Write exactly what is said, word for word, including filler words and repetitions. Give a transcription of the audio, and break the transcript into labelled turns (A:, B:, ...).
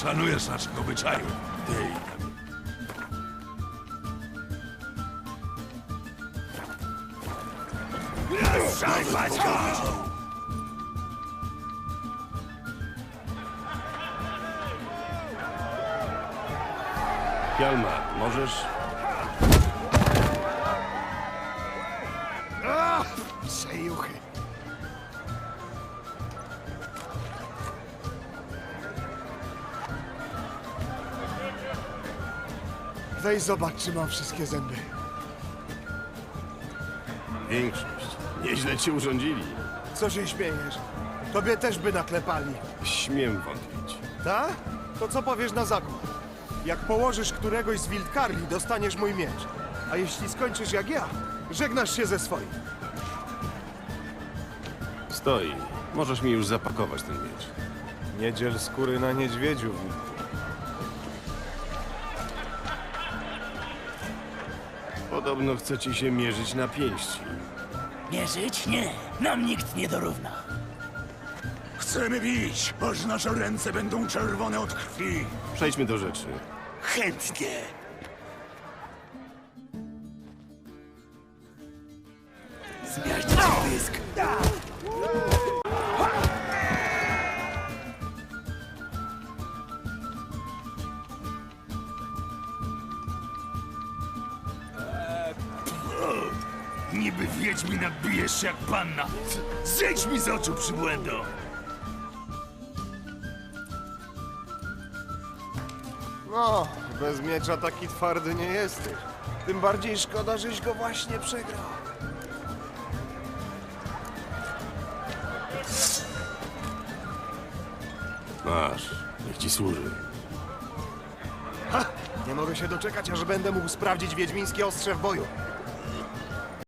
A: szanujesz naszych obyczajów. Ty Ruszaj, Paćko!
B: Hjalmar, możesz?
C: Przejuchy. Weź zobacz, czy mam wszystkie zęby.
B: Większość. Nieźle ci urządzili.
C: Co się śmiejesz? Tobie też by naklepali.
B: Śmiem wątpić.
C: Tak? To co powiesz na zakład? Jak położysz któregoś z Wildkarli, dostaniesz mój miecz. A jeśli skończysz jak ja, żegnasz się ze swoim.
B: Stoi. Możesz mi już zapakować ten miecz.
C: Nie dziel skóry na niedźwiedziu.
B: Podobno chcecie się mierzyć na pięści.
D: Mierzyć? Nie. Nam nikt nie dorówna.
A: Chcemy bić, aż nasze ręce będą czerwone od krwi.
B: Przejdźmy do rzeczy.
A: Chętnie.
D: Zmiażdżyć pysk.
A: Niby wiedźmina bijesz się jak panna. Zejdź mi z oczu, przybłędo!
C: No, bez miecza taki twardy nie jesteś. Tym bardziej szkoda, żeś go właśnie przegrał.
B: Masz. Niech ci służy.
C: Nie mogę się doczekać, aż będę mógł sprawdzić wiedźmińskie ostrze w boju.